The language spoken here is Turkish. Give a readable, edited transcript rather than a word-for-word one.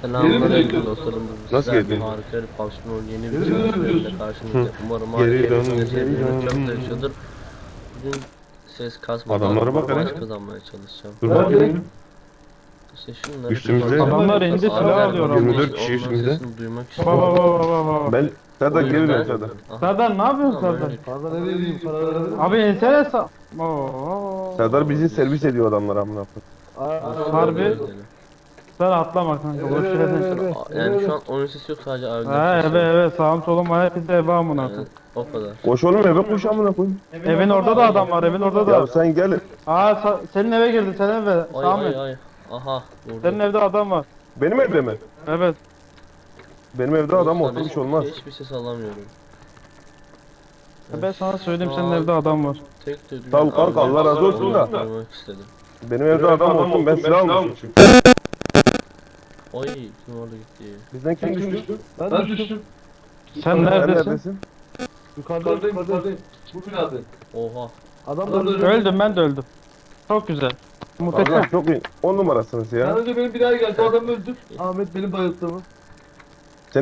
Selamünaleyküm dostlarım. Nasıl Sizler geldin? harika bir PUBG'nin yeni bir bölümünde karşınızda. Umarım Geri dön, ailelerinizde geri dön. çok da yaşıyordur. Bugün ses kasmadan Adamlara bak maç hele. kazanmaya çalışacağım. Dur bakayım. İşte şunları Üstümüzde- kullanacağım. Adamlar elinde silah Abiler alıyor bakın ama. 24 için kişi onların üstümüzde. sesini duymak Baba baba istiyorum. baba baba. Ben Serdar O geri yüzden- dön Serdar. Aha. Serdar ne yapıyorsun Tamam, Serdar? öyle. Fazla ne vereyim paraları? Abi ensene sa... Oo. Serdar bizi servis ediyor adamlar amına koyayım. Harbi. Sen atlama kanka boş verin. Yani şu an oyun sesi yok, sadece abiler Ha sesi. evet sağım solum var hepsi eve amına Yani koyayım. o kadar. Koş oğlum eve koş amına koyayım. Evin orada da adam var evin orada Ya da. sen gel. Senin eve girdi senin eve. Ay Sami. ay. Aha Senin vurdu. evde adam var. Benim evde mi? Evet. Benim evde adam Dostlar, olsa bir şey olmaz. Hiçbir ses alamıyorum. Ben sana söyleyeyim senin evde adam var. Tek de Sağ ol kanka, Allah razı olsun da. Istedim. Benim evde adam olsun ben silah almışım. Ay kim orada gitti? Bizden kim düştü? Ben düştüm. Sen Sen neredesin? neredesin? Yukarıdayım. Bu binada. Oha. Adamlar Öldüm ben de öldüm. Çok güzel. Allah Muhteşem. çok iyi. 10 numarasınız Ben ya. önce benim binaya geldi. O adam öldür. Ahmet benim bayılttığımı.